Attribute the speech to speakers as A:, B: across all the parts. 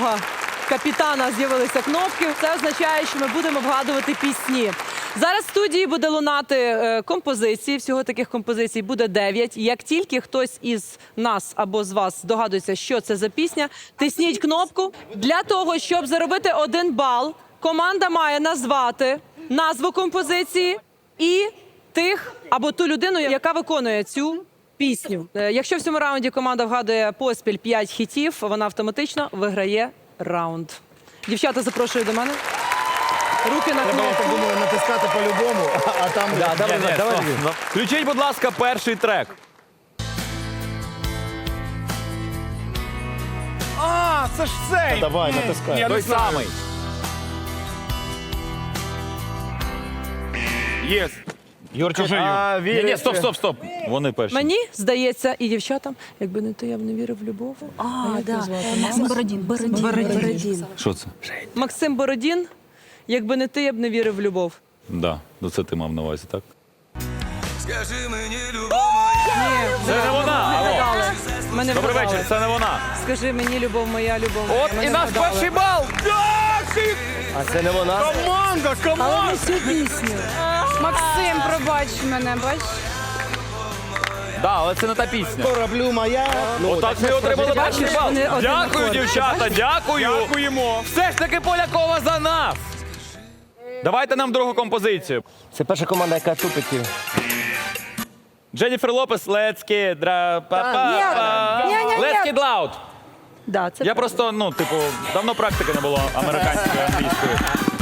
A: нашого капітана з'явилися кнопки. Це означає, що ми будемо вгадувати пісні. Зараз в студії буде лунати композиції. Всього таких композицій буде 9. Як тільки хтось із нас або з вас здогадується, що це за пісня, тисніть кнопку. Для того, щоб заробити 1 бал, команда має назвати назву композиції і тих або ту людину, яка виконує цю пісню. Якщо в цьому раунді команда вгадує поспіль 5 хітів, вона автоматично виграє раунд. Дівчата, запрошую до мене. Руки на
B: Треба, я так
A: кнопку.
B: думаю, натискати по-любому, а там...
C: Давай. Включіть, будь ласка, перший трек.
D: А, це ж цей!
B: Давай, натискай.
C: Той самий.
D: Єс.
B: Юрчик,
C: Ні, стоп. Вони перші.
A: Мені здається, і дівчатам, якби не то, я б не вірив в любов.
E: Максим Бородін.
C: Що це?
A: Максим Бородін, якби не ти, я б не вірив в любов.
C: Да, це ти мав на увазі, так?
F: Скажи мені, любов
A: Ні,
C: Це не вона, алло.
A: вгадали. Мене
C: Добрий
A: вгадали.
C: вечір, це не вона.
A: Скажи мені, любов моя, любов моя.
C: От
A: Мене
C: і наш
A: вгадали.
C: перший бал.
B: А це не вона?
D: Команда, команда!
A: Всю пісню.
E: Максим, пробач мене, бач?
C: Да, але це не та пісня.
B: Кораблю моя.
C: Отак ми отримали перший бал.
A: вони один
C: Дякую,
A: акорд.
C: дівчата, дякую.
D: Дякуємо.
C: Все ж таки Полякова за нас. Давайте нам другу композицію.
B: Це перша команда, яка тупить.
C: Дженніфер Лопес, Let's Get Let's Get Loud.
A: Да, це
C: Я просто, давно практики не було американської, англійської.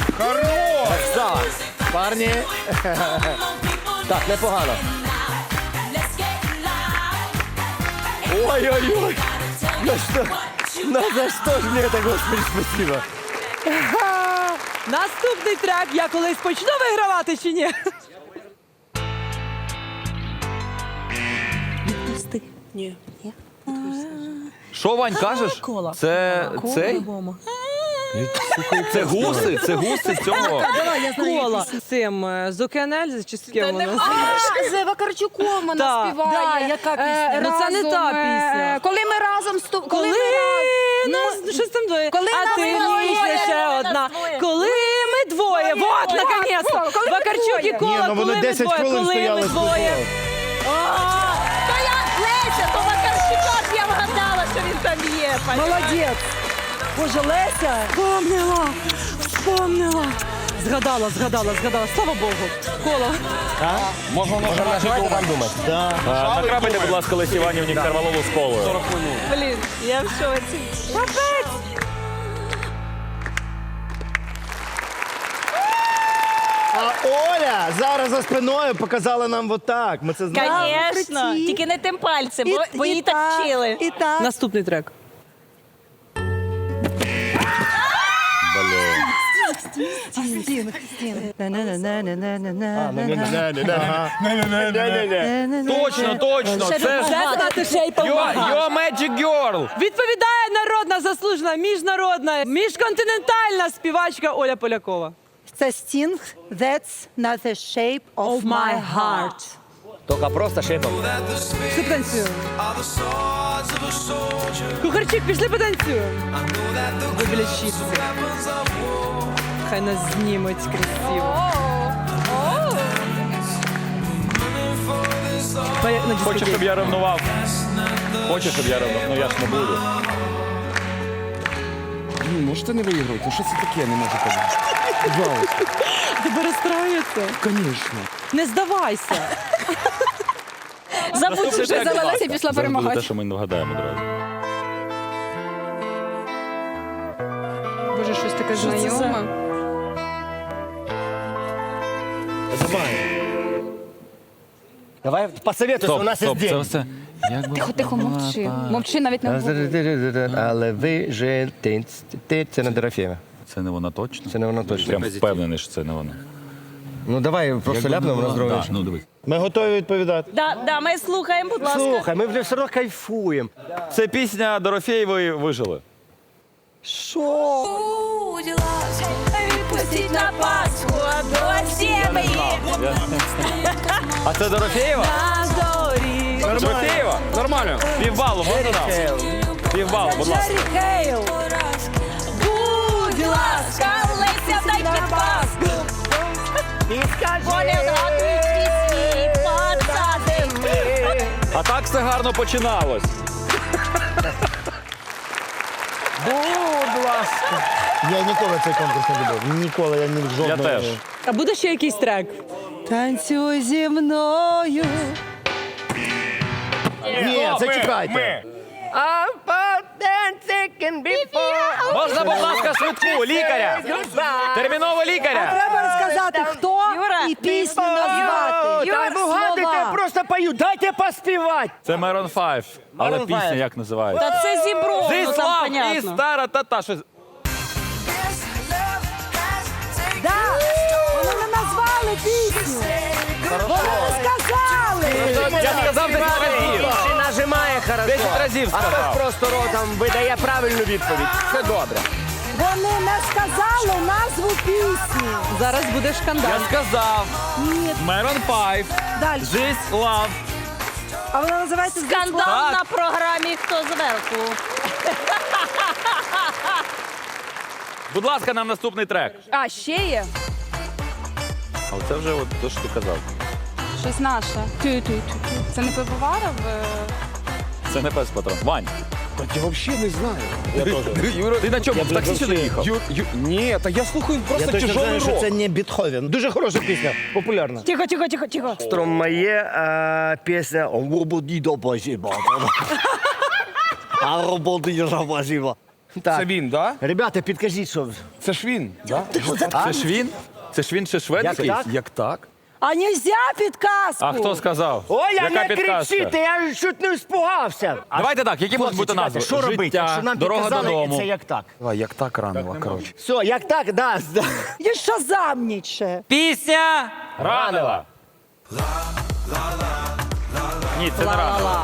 B: Парні. Так, непогано. Ой-ой-ой. За що ж мені так, Господи, спасибо.
A: наступний трек. Я колись почну вигравати чи ні? Відпусти. Ні.
C: Що, Вань, кажеш?
A: Кола.
C: Це цей? Це гуси? Це гуси цього?
A: Кола. З цим, з Океанельзи чи з ким воно?
E: З Вакарчуком вона
A: Так.
E: співає.
A: яка пісня? Ну, це не та
E: Разом,
A: пісня.
E: Коли ми разом
A: Коли нас щось там двоє,
E: Коли
A: а
E: нас
A: ти
E: двоє,
A: ніж лише одна. Коли ми двоє, вот, наконец-то.
E: коли ми
A: Вакарчук і
E: двоє.
A: Кола,
B: ну, вони
A: коли ми
B: 10
A: двоє,
B: хвилин
A: коли
B: стояли,
A: ми двоє.
E: То я Леся, то Вакарчука, я вгадала, що він там є.
A: Молодець. Боже, Леся. Вспомнила. Згадала. Слава Богу. Кола.
C: Можна
B: Нажимайте вам думати. Да.
C: Накрапайте, будь ласка, Лесі Іванівні Карвалолу з колою.
A: Блін, я в шоці. Капець.
B: А Оля зараз за спиною показала нам отак. Ми це знаємо.
G: Звісно, тільки не тим пальцем, бо її так вчили.
A: Наступний трек.
C: Точно. Це
A: Знати Shape of My Heart.
C: Your Magic Girl.
A: Відповідає народна, заслужена, міжнародна, міжконтинентальна співачка Оля Полякова.
H: Це Sting, That's not the shape of my heart.
B: Тільки просто шипом.
A: Пішли потанцюємо. Кухарчик, пішли потанцюємо. Ви біля чіпси. Хай нас знімуть красиво. На
C: Хочеш,
A: дискотеці.
C: щоб я ревнував? Хочеш, щоб я ревнував? Ну я ж не буду.
D: Можете не виігрувати? Що це таке, я не можу казати? Пожалуйста.
A: Тебе розстраюється?
D: Звісно.
A: Не здавайся.
E: Забудь, що
C: трек, будь
E: завелася
C: ласка.
E: і пішла
C: Зараз буде
E: перемагати.
C: те, що ми не вгадаємо одразу.
E: Боже, щось таке знайоме.
B: Давай посоветуйся, у нас є
C: це
B: день.
C: все.
E: Тихо, мовчи. Мовчи, навіть не говори.
B: Але ви же це не Дорофєва.
C: Це не вона точно?
B: Це не вона точно.
C: Прям впевнений, що це не вона.
B: Ну давай просто ляпнемо на здоров'я.
C: Ну дивись.
B: Ми готові відповідати.
G: Да, ми слухаємо, будь ласка.
B: Слухай, ми вже все одно кайфуємо.
C: Це пісня Дорофєєвої «Вижили».
G: Будь ласка, відпустіть на Пасху до сім'ї.
C: А це Дорофєєва?
A: На зорі.
C: Дорофєєва?
D: Нормально.
C: Півбалу можна нам? Півбалу, будь ласка.
A: Джері Хейл.
G: ласка, Леся, дай підказку.
B: І скажи,
G: Вони вгадують пісні, пацани.
C: А так все гарно починалось.
B: будь ласка. Я ніколи цей конкурс не любив. Ніколи я ні в жодному.
C: Я теж.
A: А буде ще якийсь трек?
H: Танцюй зі мною.
B: Ні, зачекайте.
C: Можна, будь ласка, швидку, лікаря. Терміново лікаря.
H: Треба розказати, хто і пісню назвати.
B: Та вгадуйте, я
H: Слова.
B: просто пою, дайте поспівати.
C: Це Maroon 5. Але
B: Maroon
C: пісня
B: 5.
C: як називається?
E: Та це зібро, ну там
C: Зіслав і
E: понятно.
C: стара та-та. Щось.
H: Да, вони не назвали пісню. Вони не сказали.
C: Я сказав 10 разів.
B: Ще нажимає хорошо.
C: 10 разів
B: А
C: сказав.
B: хтось просто ротом видає правильну відповідь. Все добре.
H: Вони не сказали назву пісні.
A: Зараз буде шкандал.
C: Я сказав.
H: Ні,
C: Maroon 5.
H: далі.
C: This love.
H: А вона називається
E: Скандал
C: Так.
E: на програмі «Хто зверху».
C: Будь ласка, нам наступний трек.
E: А, ще є?
C: А це вже от те, що ти казав.
I: Щось наше. Тю-тю-тю. Це не пивоваров?
C: Це не пес патрон. Вань,
D: Я взагалі не знаю. Я теж.
C: Юра, ти на чому? В таксі сюди їхав?
D: Ні, та я слухаю
B: Я
D: просто
B: точно
D: тяжелий
B: знаю, що
D: рок.
B: це не Бетховен. Дуже хороша пісня, популярна.
H: Тихо.
B: Стромає пісня «Роботі до базіба». А роботи до базіба.
D: Це
B: Так.
D: він, да?
B: Ребята, підкажіть, що...
D: Це ж він, да?
C: Це ж він? Це ж він ще шведський?
B: Як так?
D: Як так?
H: А нельзя підказку.
C: А хто сказав?
B: Ой, я
C: Яка
B: не
C: підказка?
B: кричите, я чуть не спугався.
C: Давайте так, які можуть бути назви?
B: Що робити?
C: Життя,
B: Якщо нам
C: дорога
B: підказали,
C: додому.
B: це як так.
D: А, як так ранило, коротше.
B: Все, як так, да.
H: Є шазамніче.
C: Пісня ранила. Ні, це не ранила.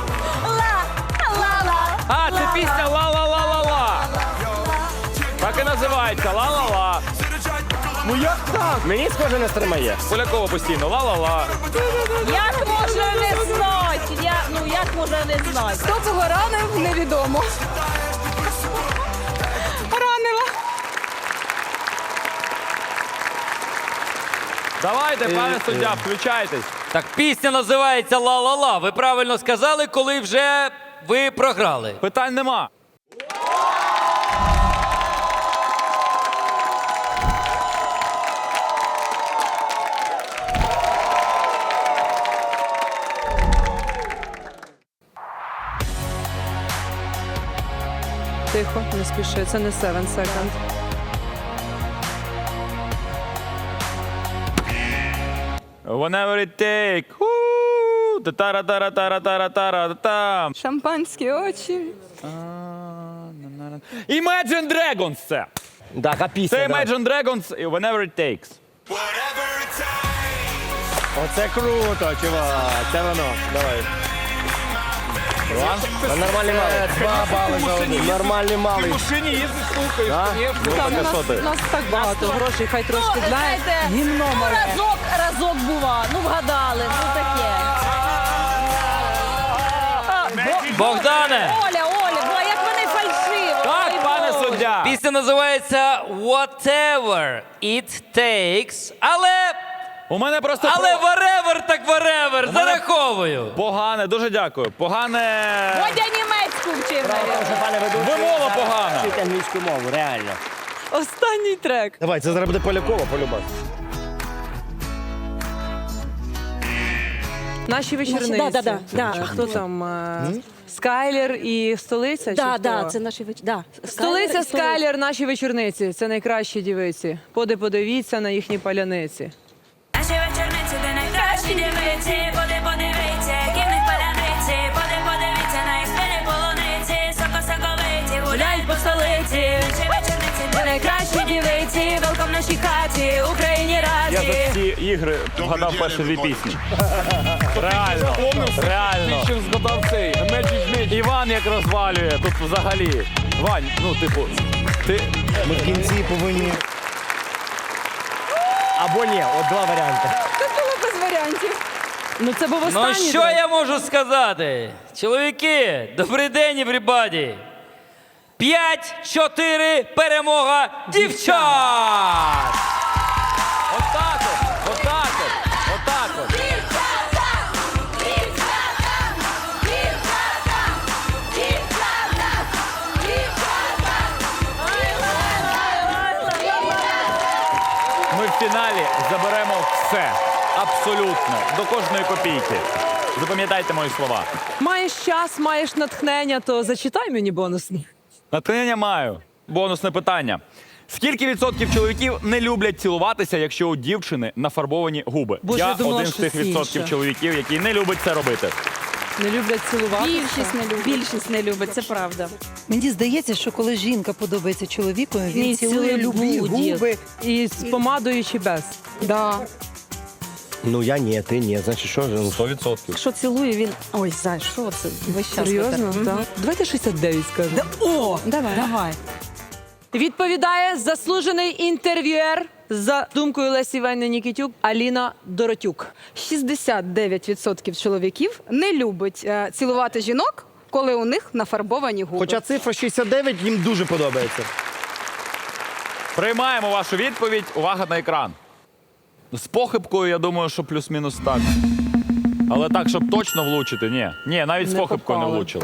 C: А, це пісня ла-ла-ла-ла-ла. Так і називається ла-ла-ла.
B: Ну як так? Мені схоже на Стромає.
C: Полякова постійно ла-ла-ла.
E: Як може не знати? Як може не знати?
I: Хто цього ранив, невідомо. Ранила.
C: Давайте, пане суддя, включайтесь.
J: Так, пісня називається «Ла-ла-ла». Ви правильно сказали, коли вже ви програли.
C: Питань нема.
A: Тихо, не спіши, це не 7 секунд.
C: Whenever it take. Та-тара-тара-тара-тара-тара-там.
I: Шампанські очі.
C: Imagine Dragons це.
B: Так, а пісня,
C: Це
B: да.
C: Imagine Dragons і Whenever it takes.
B: Оце круто, чувак. Це воно. Давай. Нормальний малий. 2 бали за один. Нормальний малий.
C: машині їздиш, слухаєш.
B: Да?
C: Ну,
A: Там
C: так, а що ти?
A: у нас так багато грошей, хай трошки для гімно мале.
E: Разок бува, вгадали, таке.
J: Богдане,
E: Оля, як вони фальшиво.
C: Так,
E: Ой,
C: пане
E: Боже.
C: суддя.
J: пісня називається «Whatever it takes»,
C: У мене просто
J: whatever так whatever, зараховую.
C: погане, дуже дякую. Погане.
E: Водя німецьку вчив, навіть.
B: Пане ведучий,
C: Вимова погана.
B: вчіть англійську мову, реально.
A: Останній трек.
B: Давай, це зараз буде Полякова, полюбас.
A: Наші вечорниці.
H: Да.
A: А хто там? Скайлер і столиця? чи хто?
H: Це наші да.
A: Столиця, Скайлер, наші вечорниці. Це найкращі дівиці. Подивіться на їхні паляниці.
G: Наші вечорниці, де найкращі дівиці, подивіться, які в них паляниці, подивіться на їх спини полуниці, соковиті, гуляють по столиці. Наші вечорниці, де найкращі дівиці, велком в нашій хаті, Україні
C: Я
G: раді.
C: за ці ігри вгадав перші 2 пісні. Реально. Реально.
D: Ще згадав цей Magic.
C: Іван як розвалює тут взагалі. Вань, ну типу, ти.
B: Ми в кінці повинні... Або ні, от 2 варіанти.
I: Тут було без варіантів.
A: Ну це був
J: Ну
A: останній
J: що
A: трек.
J: я можу сказати? Чоловіки, добрий день, everybody. 5-4, перемога дівчат!
C: Отак от, отак от, отак от. Ми в фіналі заберемо все. Абсолютно. До кожної копійки. Запам'ятайте мої слова.
A: Маєш час, маєш натхнення, то зачитай мені бонусні.
C: Натхнення маю. Бонусне питання. Скільки відсотків чоловіків не люблять цілуватися, якщо у дівчини нафарбовані губи?
A: Боже,
C: я
A: я думала,
C: один з тих
A: щось
C: відсотків
A: інше.
C: чоловіків, які не люблять це робити.
A: Не люблять цілуватися.
E: Більшість не любить, це правда.
H: Мені здається, що коли жінка подобається чоловікові, він
A: Ні,
H: цілує любі
A: буде.
H: губи.
A: І з помадою чи без.
I: Да.
B: Ну я ні, ти ні. Значить, що ж?
C: 100%.
E: Якщо цілує, він... Ой, Зай, що це? Весь час
A: Серйозно?
E: витер.
A: Так. Давайте 69 скажемо.
H: О,
E: Давай.
A: Відповідає заслужений інтерв'юер за думкою Лесі Іванівни Нікітюк Аліна Доротюк.
I: 69% чоловіків не любить цілувати жінок, коли у них нафарбовані губи.
B: Хоча цифра 69 їм дуже подобається.
C: Приймаємо вашу відповідь. Увага на екран. З похибкою, я думаю, що плюс-мінус так. Але так, щоб точно влучити, ні. Ні, навіть з
A: Не
C: похибкою не
A: попали.
C: влучили.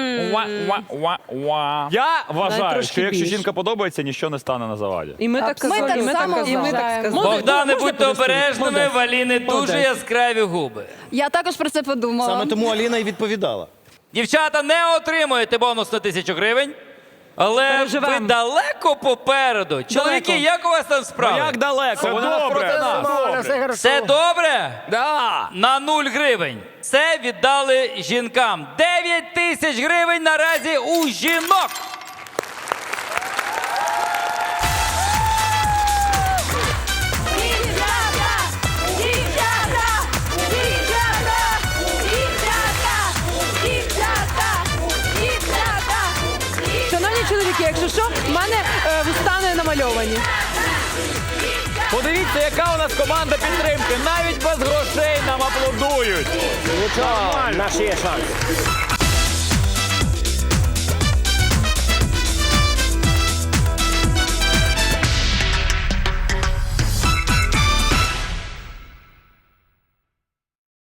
C: Я вважаю,
A: трошки
C: що якщо
A: більше.
C: жінка подобається, ніщо не стане на заваді.
A: І ми так казали,
I: так
A: і ми так
I: само
A: казали.
I: вважаємо.
J: Богдане,
A: Можна
J: будьте
A: подивитися?
J: обережними,
A: Молодець.
J: в Аліни дуже
A: Молодець.
J: яскраві губи.
I: Я також про це подумала.
B: Саме тому Аліна і відповідала.
J: Дівчата, не отримуєте бонус на 1000 гривень. Але
A: Переживемо.
J: ви далеко попереду. Чоловіки, як у вас там справи?
C: Як далеко? Вони нас проти нас.
J: Все добре?
C: Да.
J: На 0 гривень. Це віддали жінкам. 9000 гривень наразі у жінок.
A: Шановні чоловіки, якщо що, в мене вуста не намальовані.
C: Подивіться, яка у нас команда підтримки. Навіть без грошей нам аплодують.
B: Нічого, наш є шанс.